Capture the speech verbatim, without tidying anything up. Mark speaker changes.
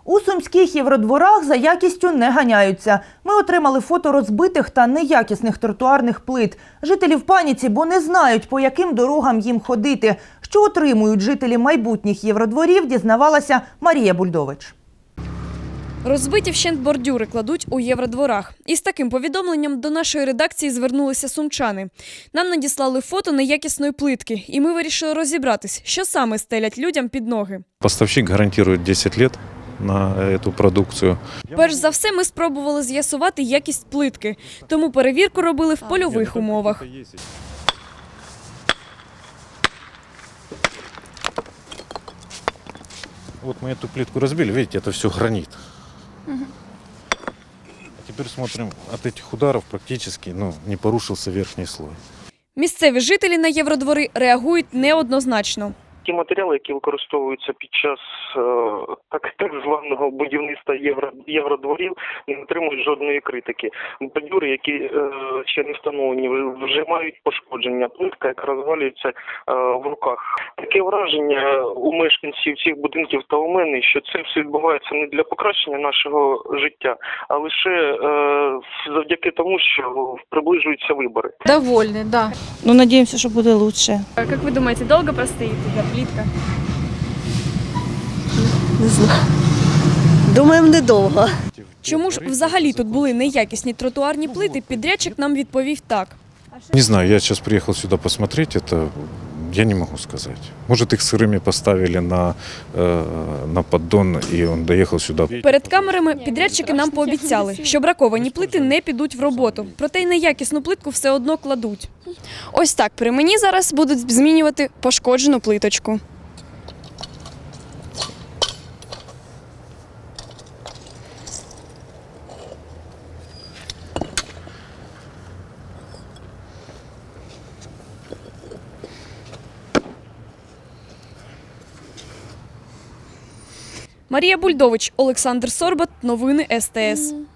Speaker 1: У сумських євродворах за якістю не ганяються. Ми отримали фото розбитих та неякісних тротуарних плит. Жителі в паніці, бо не знають, по яким дорогам їм ходити. Що отримують жителі майбутніх євродворів, дізнавалася Марія Бульдович.
Speaker 2: Розбиті вщент бордюри кладуть у євродворах. Із таким повідомленням до нашої редакції звернулися сумчани. Нам надіслали фото неякісної плитки, і ми вирішили розібратись, що саме стелять людям під ноги.
Speaker 3: Поставщик гарантує десять років на цю продукцію.
Speaker 2: Перш за все, ми спробували з'ясувати якість плитки, тому перевірку робили в польових умовах.
Speaker 3: Вот мы эту плитку разбили, видите, это все гранит. Угу. А теперь смотрим, от этих ударов практически ну, не порушился верхний слой.
Speaker 2: Місцеві жителі на євродвори реагують неоднозначно.
Speaker 4: Ті матеріали, які використовуються під час е, так, так званого будівництва євро, євродворів, не отримують жодної критики. Бордюри, які е, ще не встановлені, вже мають пошкодження. Плитка, яка розвалюється е, в руках. Таке враження у мешканців цих будинків та у мене, що це все відбувається не для покращення нашого життя, а лише е, завдяки тому, що приближуються вибори.
Speaker 5: Довольны, да.
Speaker 6: Ну, надеемся, что будет лучше.
Speaker 2: Як ви думаєте, довго простоїть ця плитка?
Speaker 6: Не знаю. Думаємо, недовго.
Speaker 2: Чому ж взагалі тут були неякісні тротуарні плити, підрядчик нам відповів так.
Speaker 3: Не знаю, я сейчас приехал сюда посмотреть, это я не могу сказать. Может, их сырыми поставили на, э, на поддон, и он доехал сюда.
Speaker 2: Перед камерами підрядчики нам пообіцяли, що браковані плити не підуть в роботу. Проте й неякісну плитку все одно кладуть.
Speaker 7: Ось так, при мені зараз будуть змінювати пошкоджену плиточку.
Speaker 2: Марія Бульдович, Олександр Сорбат, новини ес те ес.